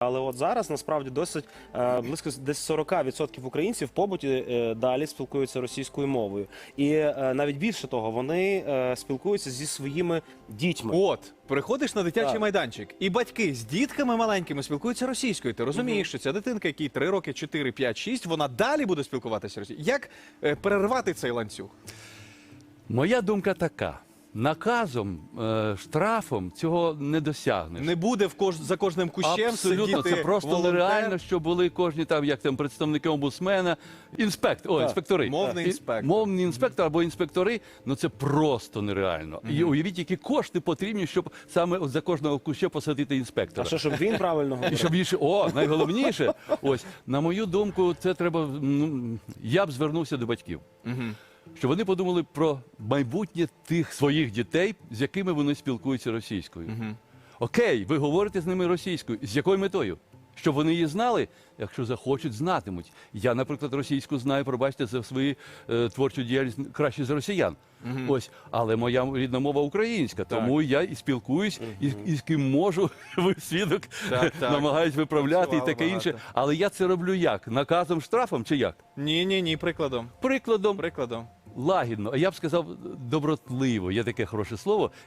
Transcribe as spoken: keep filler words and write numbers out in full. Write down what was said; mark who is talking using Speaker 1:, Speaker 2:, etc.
Speaker 1: але от зараз насправді досить е, близько десь сорок відсотків українців в побуті е, далі спілкуються російською мовою. І е, навіть більше того, вони е, спілкуються зі своїми дітьми.
Speaker 2: От, приходиш на дитячий
Speaker 1: Так.
Speaker 2: майданчик, і батьки з дітками маленькими спілкуються російською. Ти розумієш, що ця дитинка, якій три роки, чотири, п'ять, шість, вона далі буде спілкуватися російською. Як е, перервати цей ланцюг?
Speaker 3: Моя думка така. Наказом, е, штрафом цього не досягнеш.
Speaker 2: Не буде в кож... за кожним кущем
Speaker 3: Абсолютно,
Speaker 2: сидіти
Speaker 3: це просто
Speaker 2: волонтер,
Speaker 3: нереально, що були кожні там, як там, представники омбудсмена, інспектор, о,
Speaker 1: Так.
Speaker 3: інспектори.
Speaker 2: Мовний
Speaker 3: І-
Speaker 2: інспектор.
Speaker 3: Мовний інспектор або інспектори, ну це просто нереально. І уявіть, які кошти потрібні, щоб саме от за кожного куща посадити
Speaker 1: А
Speaker 3: інспектора.
Speaker 1: що, щоб він правильно
Speaker 3: І
Speaker 1: говорив?
Speaker 3: щоб більше, о, найголовніше, ось, на мою думку, це треба, ну, я б звернувся до батьків.
Speaker 2: Мгм.
Speaker 3: Щоб вони подумали про майбутнє тих своїх дітей, з якими вони спілкуються російською.
Speaker 2: Мгм.
Speaker 3: Окей, ви говорите з ними російською. З якою метою? Щоб вони її знали? Якщо захочуть, знатимуть. Я, наприклад, російську знаю, пробачте, за свою е, творчу діяльність краще за росіян. Ось, але моя рідна мова українська, тому я і спілкуюсь, і, і з ким можу, ви свідок,
Speaker 2: Так, так.
Speaker 3: намагаюсь виправляти і
Speaker 2: Працювали
Speaker 3: таке інше.
Speaker 2: багато.
Speaker 3: Але я це роблю як? Наказом, штрафом чи як?
Speaker 2: Ні, ні, ні, прикладом.
Speaker 3: Прикладом,
Speaker 2: Прикладом.
Speaker 3: лагідно, а я б сказав добротливо, є таке хороше слово.